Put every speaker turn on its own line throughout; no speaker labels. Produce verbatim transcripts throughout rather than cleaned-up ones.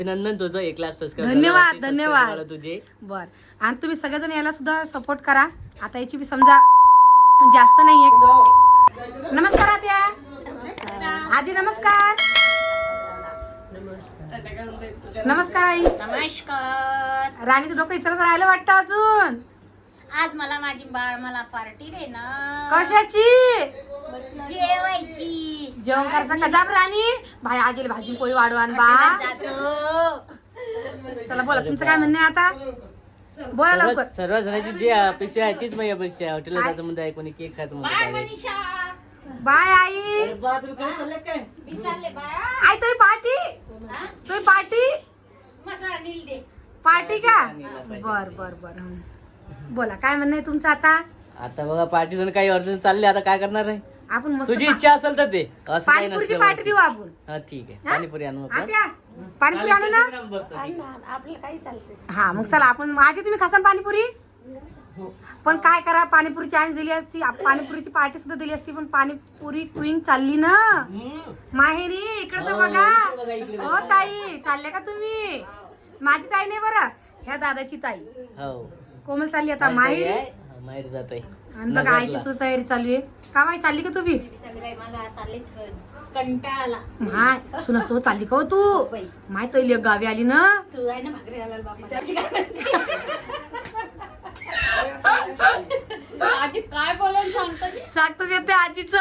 अभिनंदन तुझं एक लाख सबस्क्राईब.
धन्यवाद धन्यवाद
तुझे.
बर आणि तुम्ही सगळेजण याला सुद्धा सपोर्ट करा. आता याची बी समजा जास्त नाहीये. नमस्कार आत्या. आजी नमस्कार. नमस्कार आई.
नमस्कार.
राणीचं डोकं इचरत राहिलं वाटतं अजून.
आज मला माझी बाळ मला पार्टी दे ना.
कशाची?
जेवायची.
जेवण करायचं कजाब राणी. भाई आजीला भाजी पोळी वाढवान बा. चला बोला तुमचं काय म्हणणं आहे आता. बोला लवकर.
सर्व जणांची जी अपेक्षा आहे तीच माझी अपेक्षा आहे. हॉटेलला जायचं म्हणते आहे, कोणी केक खायचं म्हणते आहे.
बाय आई.
मी चालले बाय.
आई तुझी पार्टी. तुझी पार्टी.
मसाला नील दे.
पार्टी का? बर बर बर हं. बोला काय म्हणणं आहे तुमचं आता.
आता बघा पार्टी जण काही अडचण चालली, आता काय करणार आहे.
आपण मस्त
तुझी इच्छा असेल तर ते असं काही
पाणीपुरीची
नसतं.
पार्टी देऊ आपण.
हा ठीक आहे,
हा?
पाणीपुरी आणू आपण.
आत्या पाणीपुरी आणू ना.
आपलं काही चालते.
हा मग चला आपण आजी तुम्ही खासान पाणीपुरी. पण काय करा पाणीपुरी चान्स दिली असती, आप- पाणीपुरीची पार्टी सुद्धा दिली असती, पण पाणीपुरी क्वीन चालली ना माहेरी. इकडे तर बघा. हो ताई चालल्या का तुम्ही. माझी ताई नाही बरं, ह्या दादाची ताई
हो
कोमल चालली आता माहेरी.
माहेर जात आहे.
आणि बघा आईची सुद्धा तयारी चालू आहे. का बाई चालली का तुम्ही.
मला आता लईच कंटाळा आला.
माय सुना सोबत चालली का हो तू. माय तैली गावी आली ना.
तू आहे ना भाकरी घालायला बापा. त्याची काय म्हणते? आजी काय बोलायला सांगतो.
सांगतो येते आजीच.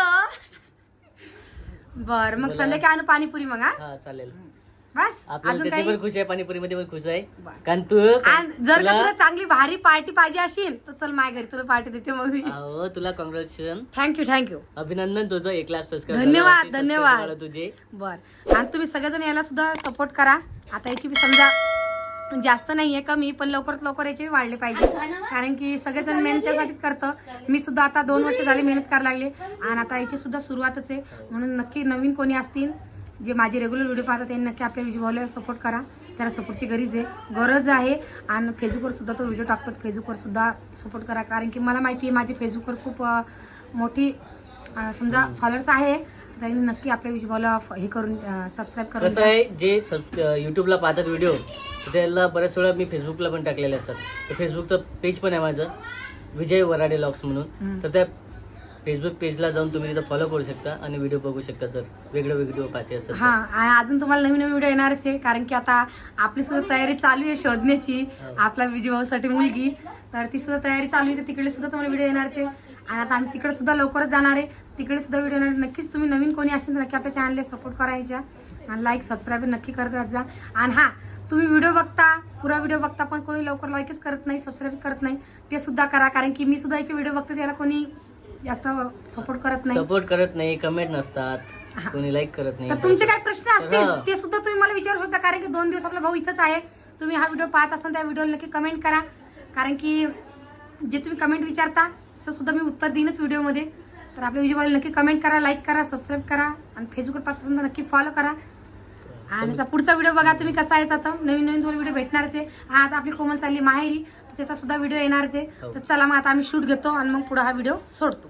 बर मग संध्याकाळी आणू पाणीपुरी मग. हा
हा चालेल.
बस
आपल्याला
अजून
तिथे
काही.
पण खुश आहे, पाणीपुरी मध्ये पण खुश आहे.
बरं.
कारण तू
आणि जर का
तुला-
तुला चांगली भारी पार्टी पाहिजे असेल तर चल माझ्या घरी तुला पार्टी देते मग मी.
अहो, तुला कॉंग्रॅच्युलेशन.
Thank you thank you.
अभिनंदन तुझं एक लाख सबस्क्राईब.
धन्यवाद, धन्यवाद.
तुझे.
बर आणि तुम्ही सगळेजण याला सुद्धा सपोर्ट करा. आता याची बी समजा जास्त नाहीये कमी, पण लवकरात लवकर याचे वाढले पाहिजे. कारण की सगळेजण मेहनत त्यासाठीच करतं. मी सुद्धा आता दोन वर्ष झाले मेहनत करायला लागले आणि आता याची सुद्धा सुरुवातच आहे. म्हणून नक्की नवीन कोणी असतील जे माझे रेग्युलर व्हिडिओ पाहतात त्यांनी नक्की आपल्या व्हिडिओला सपोर्ट करा. त्याला सपोर्टची गरज आहे गरज आहे आणि फेसबुकवर सुद्धा तो व्हिडिओ टाकतात. फेसबुकवर सुद्धा सपोर्ट करा. कारण की मला माहिती आहे माझी फेसबुकवर खूप अं, मोठी अं, समजा फॉलोअर्स आहे. त्यांनी नक्की आपल्या व्हिडिओला हे करून सबस्क्राईब करून
कसं आहे, जे युट्यूबला पाहतात व्हिडिओ त्याला बऱ्याच वेळा मी फेसबुकला पण टाकलेले असतात. तर फेसबुकचं पेज पण आहे माझं विजय वराडे लॉक्स म्हणून. तर त्या फेसबुक पेजला जाऊन तुम्ही तिथं फॉलो करू शकता आणि व्हिडिओ बघू शकता जर वेगळे व्हिडिओ पाहायचे असेल.
हा आणि अजून तुम्हाला नवीन नवीन व्हिडिओ येणारच आहे. कारण की आता आपली सुद्धा तयारी चालू आहे शोधण्याची आपला विजय भाऊसाठी मुलगी. तर ती सुद्धा तयारी चालू आहे. तर तिकडे सुद्धा तुम्हाला व्हिडिओ येणारच आहे. आणि आता आम्ही तिकडे सुद्धा लवकरच जाणार आहे. तिकडे सुद्धा व्हिडिओ येणार. नक्कीच तुम्ही नवीन कोणी असेल तर नक्की आपल्या चॅनलला सपोर्ट करायच्या आणि लाईक सबस्क्राईब नक्की करत राहत जा. आणि हा तुम्ही व्हिडिओ बघता पुरा व्हिडिओ बघता पण कोणी लवकर लाईकच करत नाही, सबस्क्राईब करत नाही, ते सुद्धा करा. कारण की मी सुद्धा याचे व्हिडिओ बघते त्याला कोणी जास्त सपोर्ट करत नाही,
सपोर्ट करत नाही, कमेंट नसतात, कोणी लाईक करत नाही.
तर तुमचे काय प्रश्न असतील ते सुद्धा तुम्ही मला विचारू शकता. कारण की दोन दिवस आपला भाऊ इथंच आहे. तुम्ही हा व्हिडिओ पाहत असाल त्या व्हिडिओला नक्की कमेंट करा. कारण की जे तुम्ही कमेंट विचारता त्याचं सुद्धा मी उत्तर देईनच व्हिडिओमध्ये. तर आपल्या व्हिडिओला नक्की कमेंट करा, लाईक करा, सबस्क्राईब करा आणि फेसबुकवर पाहत असाल तर नक्की फॉलो करा. आणि आता पुढचा व्हिडिओ बघा तुम्ही कसा आहे. आता नवीन नवीन तुम्हाला व्हिडिओ भेटणारच आहे. हा आता आपली कोमल चालली माहेरी तर त्याचा सुद्धा व्हिडिओ येणारच आहे. तर चला मग आता आम्ही शूट घेतो आणि मग पुढे हा व्हिडिओ सोडतो.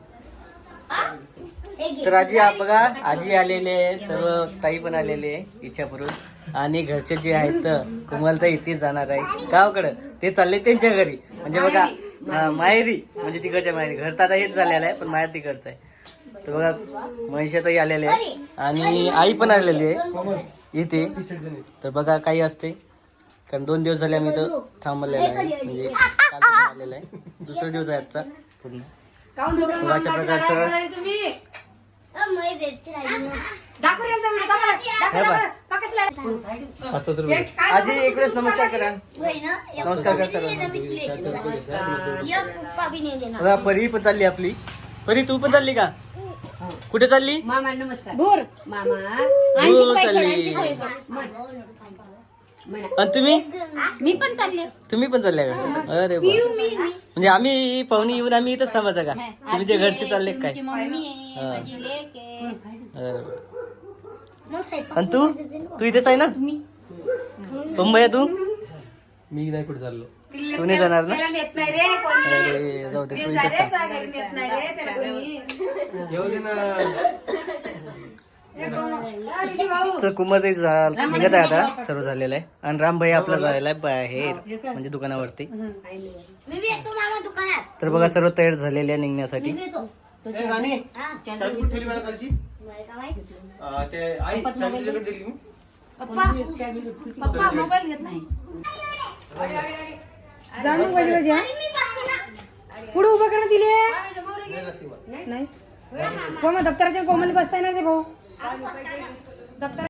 तर आजी बघा आजी आलेले आहे, सर्व ताई पण आलेले आहे इच्छापूर्वक. आणि घरचे जे आहेत कोमलताई इथे जाणार आहे गावाकडं, ते चालले त्यांच्या घरी. म्हणजे बघा हा, माहेरी म्हणजे तिकडच्या माहेरी. घर तर आता हेच झालेलं आहे पण माहेर तिकडचं आहे. तर बघा मनीषाताई आलेले आहे आणि आई पण आलेली आहे इथे. तर बघा काही असते कारण दोन दिवस झाले आम्ही इथं थांबलेलं आहे. म्हणजे काल आलेलं आहे, दुसरा दिवस आहे आजचा पूर्ण. अशा प्रकारचं आजी एक वेळेस नमस्कार करा. नमस्कार करा सर्वांना. बघा परी पण चालली आपली. परी तू पण चालली का? कुठे चालली?
मामा नमस्कार.
बोर
मामा
दूर चालली. आणि तुम्ही
मी पण चालले.
तुम्ही पण चालल्या का? अरे वा. म्हणजे आम्ही पाहुणे येऊन आम्ही इथंच थांबायचं का? तुम्ही ते घरचे चालले काय?
तुमची मम्मी आहे, माझी लेक आहे.
अरे वा. आणि तू तू इथेच आहे ना? मुंबई तू?
मी नाही कुठे चाललो.
तू नाही जाणार ना?
त्याला नेत नाही रे कोणी.
अरे जाऊ दे, तू
ते
इथेच
जा रे,
थांब.
त्या घरी नेत नाही रे त्याला कोणी.
येऊ दे ना.
तर कुमार निघत आहे आता, सर्व झालेलं आहे. आणि रामभाई आपला झालेला आहे बाहेर म्हणजे दुकानावरती.
मी बी येतो मामा दुकानात.
तर बघा सर्व तयार झालेले आहे निघण्यासाठी.
मी येतो.
ए, राणी,
हा.
चावी कुठे ठेवली मला कालची?
मला का माहित?
अं, ते आई चावी तुझ्याकडे दिली मी.
पप्पा पप्पा मोबाईल घेत नाही. जाणून पाहिजे पाहिजे हा?
मी बसते ना.
पुढे उभं करणं दिले
नाही राहते वर.
नाही कोण दप्तराच्या कोमली बसताय ना ते भाऊ
आपण बसताना.
दप्तर